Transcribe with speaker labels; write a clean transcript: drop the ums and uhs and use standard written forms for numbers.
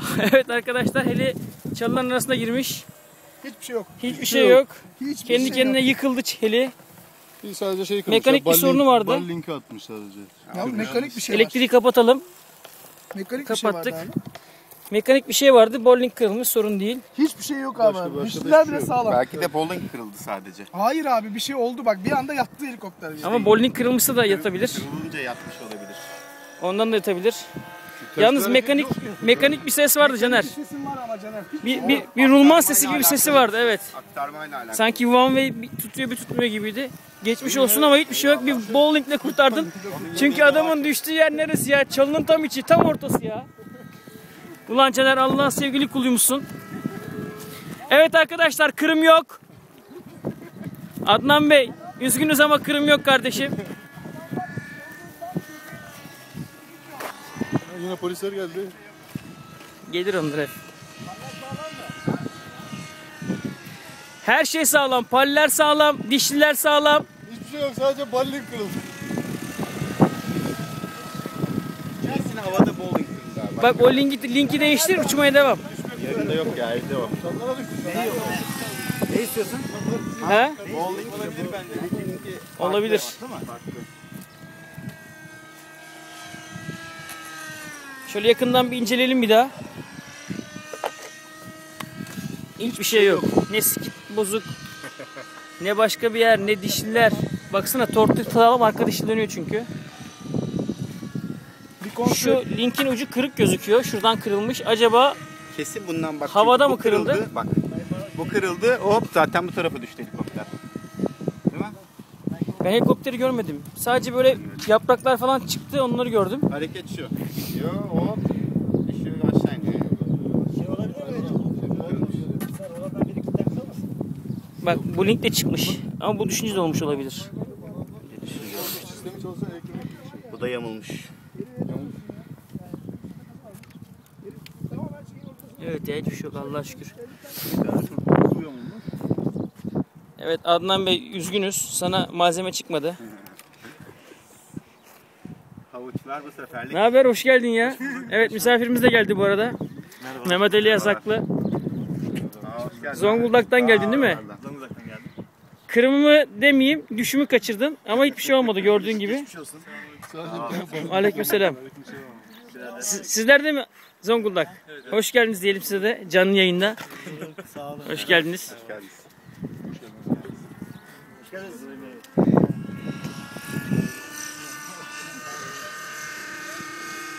Speaker 1: Evet arkadaşlar, heli çalıların arasına girmiş.
Speaker 2: Hiçbir şey yok.
Speaker 1: Hiçbir şey yok.
Speaker 2: Hiçbir
Speaker 1: Kendi
Speaker 2: şey
Speaker 1: kendine
Speaker 2: yok.
Speaker 1: yıkıldı heli.
Speaker 3: Sadece şey kırmış.
Speaker 1: Mekanik bir sorunu vardı.
Speaker 3: Bal linki atmış sadece.
Speaker 2: Ya mekanik bir şey
Speaker 1: Elektriği kapatalım.
Speaker 2: var. Mekanik
Speaker 1: kapattık.
Speaker 2: bir şey vardı abi.
Speaker 1: Mekanik bir şey vardı. Bowling kırılmış, sorun değil.
Speaker 2: Hiçbir şey yok
Speaker 3: Başka
Speaker 2: abi.
Speaker 3: da
Speaker 2: Dişliler
Speaker 3: hiçbir
Speaker 2: bile
Speaker 3: şey yok.
Speaker 2: sağlam.
Speaker 4: Belki de bowling kırıldı sadece.
Speaker 2: Hayır abi, bir şey oldu bak. Bir anda yattı helikopter.
Speaker 1: Ama bowling kırılmışsa da yatabilir.
Speaker 4: Kırılınca yatmış olabilir.
Speaker 1: Ondan da yatabilir. Yalnız mekanik bir ses vardı Caner.
Speaker 2: Bir sesim var ama Caner.
Speaker 1: Bir rulman sesi gibi bir sesi vardı, evet.
Speaker 4: Aktarmayla alakalı.
Speaker 1: Sanki one way bir tutuyor bir tutmuyor gibiydi. Geçmiş olsun ama hiçbir şey yok. Bir bowlingle kurtardın. Çünkü adamın düştüğü yer neresi ya? Çalının tam içi, tam ortası ya. Ulan Caner, Allah'ın sevgili kuluymuşsun. Evet arkadaşlar, kırım yok. Adnan Bey, üzgünüz ama kırım yok kardeşim.
Speaker 3: Yine polisler geldi.
Speaker 1: Gelir onlar hep. Her şey sağlam. Paller sağlam, dişliler sağlam.
Speaker 3: Hiçbir şey yok, sadece bal link kırıldı.
Speaker 4: Kesin havada bowling kırıldı abi.
Speaker 1: Bak o linki değiştir, uçmaya devam.
Speaker 4: Yerinde yok ya, evde var. Ne istiyorsun?
Speaker 1: He?
Speaker 4: Bowling olabilir bence.
Speaker 1: Olabilir. Şöyle yakından bir inceleyelim bir daha. Hiçbir şey yok. Ne skit bozuk, ne başka bir yer, ne dişliler. Baksana, tortu sağlam, arka dişli dönüyor çünkü. Şu linkin ucu kırık gözüküyor. Şuradan kırılmış. Acaba
Speaker 4: Kesin bundan bak.
Speaker 1: havada
Speaker 4: bu
Speaker 1: mı kırıldı?
Speaker 4: Bak. Bu kırıldı. Hop, zaten bu tarafa düştü helikopter. Değil mi?
Speaker 1: ben helikopteri görmedim. Sadece böyle yapraklar falan çıktı, onları gördüm.
Speaker 4: Hareket şu. Gidiyor, hop. Düşüyor, aşağı iniyor.
Speaker 1: Bak bu link de çıkmış. Ama bu düşünce de olmuş olabilir.
Speaker 3: Sistemi çalışan elektronik.
Speaker 4: Bu da yamulmuş.
Speaker 1: Evet ya, hiçbir şey yok Allah'a şükür. Evet Adnan Bey, üzgünüz. Sana malzeme çıkmadı.
Speaker 4: Havuçlar bu seferlik.
Speaker 1: Ne haber? Hoş geldin ya. Evet, misafirimiz de geldi bu arada.
Speaker 4: Merhaba.
Speaker 1: Mehmet Ali Yasaklı.
Speaker 4: Hoş geldin.
Speaker 1: Zonguldak'tan geldin değil mi?
Speaker 4: Zonguldak'tan geldim.
Speaker 1: Kırımımı demeyeyim, düşümü kaçırdın. Ama hiçbir şey olmadı gördüğün gibi. Aleykümselam. Sizler de mi Zonguldak? Evet. Hoş geldiniz diyelim size de canlı yayında. Hoş geldiniz.
Speaker 4: Hoş geldiniz.